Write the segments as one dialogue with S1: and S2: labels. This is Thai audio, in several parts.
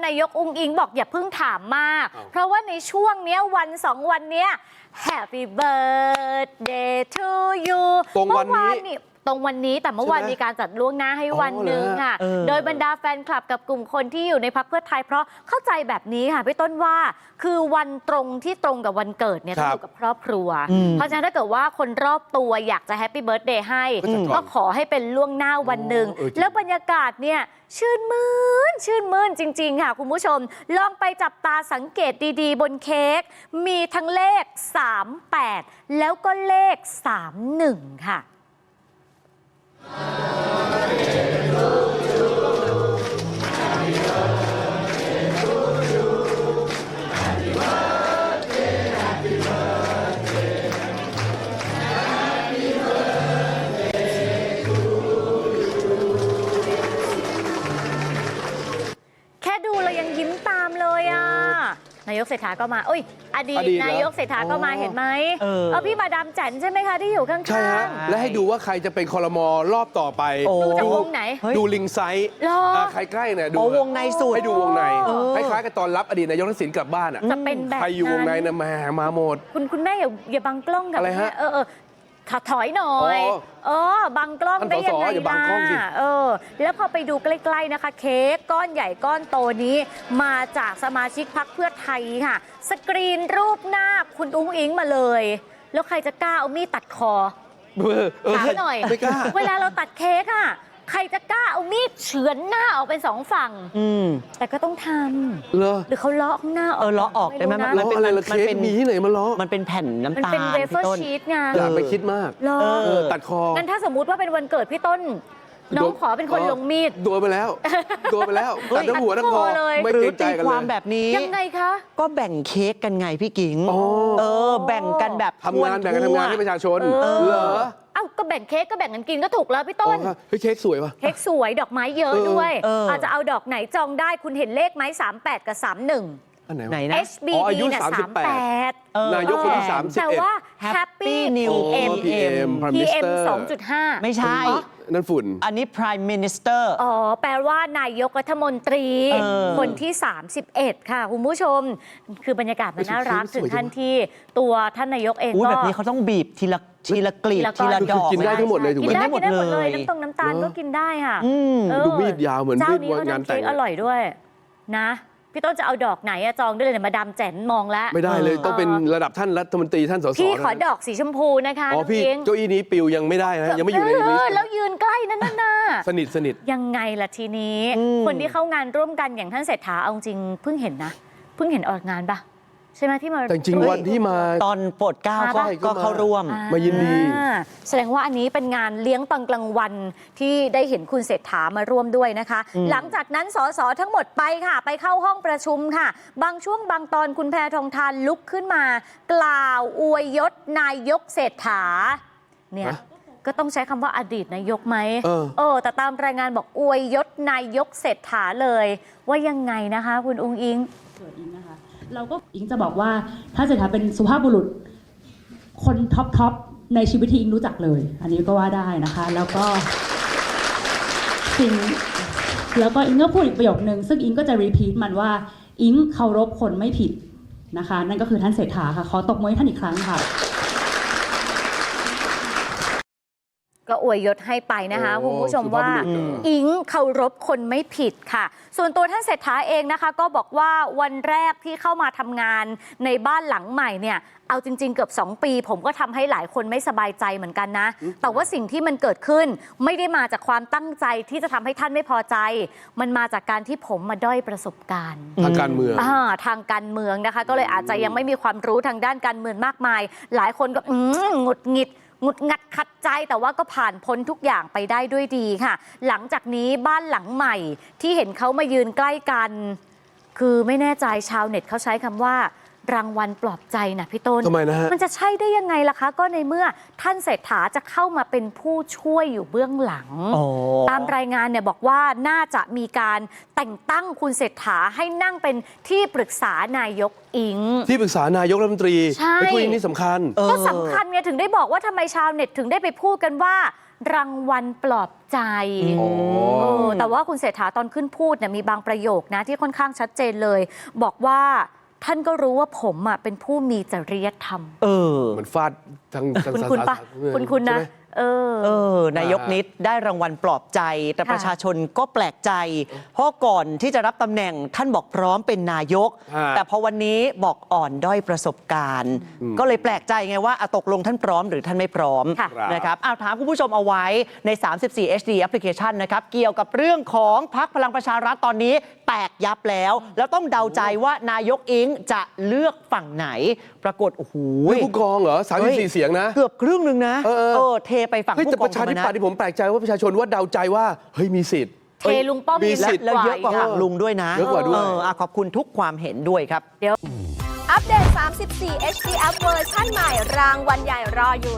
S1: นายกอุ๊งอิ๊งบอกอย่าเพิ่งถามมากเพราะว่าในช่วงเนี้ยวัน2 วันเนี้ย Happy birthday to you
S2: ตรงวันนี้
S1: แต่เมื่อวานมีการจัดล่วงหน้าให้วันหนึ่งค่ะโดยบรรดาแฟนคลับกับกลุ่มคนที่อยู่ในพรรคเพื่อไทยเพราะเข้าใจแบบนี้ค่ะพี่ต้นว่าคือวันตรงที่ตรงกับวันเกิดเนี่ยต้องอยู่กับครอบครัวเพราะฉะนั้นถ้าเกิดว่าคนรอบตัวอยากจะแฮปปี้เบิร์ธเดย์ให้ก็ขอให้เป็นล่วงหน้าวันหนึ่งแล้วบรรยากาศเนี่ยชื่นมื่นจริงๆค่ะคุณผู้ชมลองไปจับตาสังเกตดีๆบนเค้กมีทั้งเลข38แล้วก็เลข31ค่ะแค่ดูเรายังยิ้มตามเลยอ่ะนายกเศรษฐาก็มาอดีตนายกเศรษฐาก็มาเห็นไหมพี่มาดามแจ๋นใช่ไหมคะที่อยู่ข้างๆใช่ฮะ
S2: และให้ดูว่าใครจะเป็นครม.รอบต่อไป
S1: ดูจากวงไหน
S2: ดูลิงไซส์ใครใกล้เนี่ยดู
S3: วงในสุด
S2: ให้ดูวงในคล้ายๆกับตอนรับอดีตนายกทักษิณกลับบ้านอ่ะ
S1: จะเป็นแบบ
S2: ใครอยู่วงในนะมาหมด
S1: คุณแม่อย่าบังกล้องกับ
S2: อะไรฮะ
S1: ถอยหน่อยบังกล้องได้ยังไงล่ะแล้วพอไปดูใกล้ๆนะคะเค้กก้อนใหญ่ก้อนโตนี้มาจากสมาชิกพรรคเพื่อไทยค่ะสกรีนรูปหน้าคุณอุ๊งอิ๊งมาเลยแล้วใครจะกล้าเอามีดตัดคอถามหน่อยเวลาเราตัดเค้กอ่ะใครจะกล้าเอามีดเฉือนหน้าออกเป็น2 ฝั่งแต่ก็ต้องทำหรือเขาเลาะข้างหน้า
S3: เลาะออกได้ไหม
S2: มันเป็นอะไรเค้กมีที่ไหนมาเลาะ
S3: มันเป็นแผ่นน้ำตาล
S1: มันเป็นเวเฟอร์ชีสไง
S2: อย่าไปคิดมากตัดคอ
S1: งั้นถ้าสมมุติว่าเป็นวันเกิดพี่ต้นน้องขอเป็นคนลงมีด
S2: โดนไปแล้วตัดทั้งหัวทั้งคอไม่เกรงใจกันเลย
S3: ความแบบนี้
S1: ยังไงคะ
S3: ก็แบ่งเค้กกันไงพี่กิ๊งแบ่งกันแบบ
S2: ทำงานให้ประชาชนเหรอ
S1: ก็แบ่งเค้กก็แบ่งกันกินก็ถูกแล้วพี่ต้น
S2: เค้กสวยป่ะ
S1: เค้กสวยดอกไม้เยอะด้วยอาจจะเอาดอกไหนจองได้คุณเห็นเลขไหม38กับ31
S3: ไหนนะ
S1: HBD เนี่ย38
S2: นายกคนที่31
S1: แต่ว่า Happy New PM 2.5
S3: ไม่ใช่
S2: นั่นฝุ่น
S3: อันนี้ Prime Minister
S1: แปลว่านายกรัฐมนตรีคนที่31ค่ะคุณผู้ชมคือบรรยากาศมันน่ารักถึงขั้นที่ตัวท่านนายกเองก็
S3: แบบนี้เขาต้องบีบทีละกลีบทีละดอก
S2: กินได้ทั้งหมดเลยถูกไหม
S1: กินได้หมดเลยน้ำตาลก็กินได้ค่ะ
S2: ดูมีดยาวเหมือนมีดงานแต่ง
S1: อร่อยด้วยนะพี่ต้นจะเอาดอกไหนจองได้เลยมาดามแจ๋นมองแล้ว
S2: ไม่ได้เลยต้องเป็นระดับท่านรัฐมนตรีท่านสส
S1: พี่ขอดอกสีชมพูนะคะ
S2: พี่เก้าอี้นี้ปิวยังไม่ได้นะยังไม่อยู่ในลิสต์
S1: แล้วยืนใกล้นั่นน่ะ
S2: สนิท
S1: ยังไงล่ะทีนี้คนที่เข้างานร่วมกันอย่างท่านเศรษฐาเอาจริงเพิ่งเห็นออกงานปะใช่ไหมที่มา
S2: แต่จริงวันที่มา
S3: ตอนโปรดเกล้าก็เข้าร่วม
S2: มายินดี
S1: แสดงว่าอันนี้เป็นงานเลี้ยงตอนกลางวันที่ได้เห็นคุณเศรษฐามาร่วมด้วยนะคะหลังจากนั้นสสทั้งหมดไปค่ะไปเข้าห้องประชุมค่ะบางช่วงบางตอนคุณแพทองธารลุกขึ้นมากล่าวอวยยศนายกเศรษฐาเนี่ยก็ต้องใช้คำว่าอดีตนายกไหมแต่ตามรายงานบอกอวยยศนายกเศรษฐาเลยว่ายังไงนะคะคุณอุ๊งอิ๊ง
S4: เราก็อิงจะบอกว่าถ้าเศรษฐาเป็นสุภาพบุรุษคนท็อปในชีวิตที่อิงรู้จักเลยอันนี้ก็ว่าได้นะคะแล้วก็อิงก็พูดอีกประโยคนึงซึ่งอิงก็จะรีพีทมันว่าอิงเคารพคนไม่ผิดนะคะนั่นก็คือท่านเศรษฐาค่ะขอตบมือให้ท่านอีกครั้งค่ะ
S1: ก็อวยยศให้ไปนะคะคุณผู้ชมว่าอิงเคารพคนไม่ผิดค่ะส่วนตัวท่านเศรษฐาเองนะคะก็บอกว่าวันแรกที่เข้ามาทำงานในบ้านหลังใหม่เนี่ยเอาจริงๆเกือบ2 ปีผมก็ทำให้หลายคนไม่สบายใจเหมือนกันนะแต่ว่าสิ่งที่มันเกิดขึ้นไม่ได้มาจากความตั้งใจที่จะทำให้ท่านไม่พอใจมันมาจากการที่ผมมาด้อยประสบการณ์
S2: ทางการเมือง
S1: นะคะก็เลยอาจจะยังไม่มีความรู้ทางด้านการเมืองมากมายหลายคนก็หงุดหงิดขัดใจแต่ว่าก็ผ่านพ้นทุกอย่างไปได้ด้วยดีค่ะหลังจากนี้บ้านหลังใหม่ที่เห็นเขามายืนใกล้กันคือไม่แน่ใจชาวเน็ตเขาใช้คำว่ารางวัลปลอบใจนะพี่ต้น
S2: ทำไมนะฮะ
S1: มันจะใช่ได้ยังไงล่ะคะก็ในเมื่อท่านเศรษฐาจะเข้ามาเป็นผู้ช่วยอยู่เบื้องหลังตามรายงานเนี่ยบอกว่าน่าจะมีการแต่งตั้งคุณเศรษฐาให้นั่งเป็นที่ปรึกษานายกอิง
S2: ที่ปรึกษานายกรัฐมนตรี
S1: ใช่
S2: คุยนี่สำคัญ
S1: ก็สำคัญไงถึงได้บอกว่าทำไมชาวเน็ตถึงได้ไปพูดกันว่ารางวัลปลอบใจ แต่ว่าคุณเศรษฐาตอนขึ้นพูดเนี่ยมีบางประโยคนะที่ค่อนข้างชัดเจนเลย บอกว่าท่านก็รู้ว่าผมเป็นผู้มีจริยธรรม
S2: เหมือนฟาดทาง
S1: คุณปะคุณนะ
S3: นายกนิดได้รางวัลปลอบใจแต่ประชาชนก็แปลกใจ เพราะก่อนที่จะรับตำแหน่งท่านบอกพร้อมเป็นนายก แต่พอวันนี้บอกอ่อนด้อยประสบการณ์ ก็เลยแปลกใจไงว่าตกลงท่านพร้อมหรือท่านไม่พร้อมนะครับถามคุณผู้ชมเอาไว้ใน 34 HD Application นะครับเกี่ยวกับเรื่องของพรรคพลังประชารัฐตอนนี้แตกยับแล้วต้องเดาใจว่านายกอิงจะเลือกฝั่งไหนปรากฏโอ้โห
S2: ผู้กองเหรอ34เสียงนะ
S3: เกือบครึ่งหนึ่งนะเทไปฝั่งผู้กอง
S2: แต่ประชาธิปัตย์ที่ผมแปลกใจว่าประชาชนว่าเดาใจว่าเฮ้ยมีสิทธิ์
S1: เทลุงป้อมมีสิทธิ์
S3: แล้วเยอะกว่าฝั่งลุงด้วยนะ
S2: เยอะกว่าด้วย
S3: ขอบคุณทุกความเห็นด้วยครับ
S1: เดี๋ยว
S5: อัปเดต 34 HD App เวอร์ชันใหม่รางวัลใหญ่รออยู่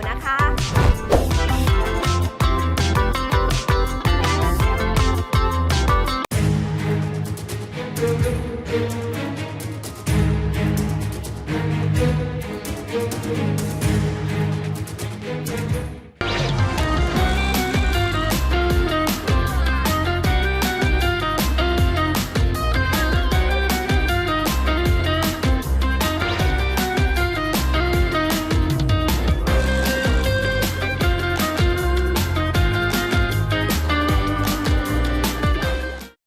S5: นะคะ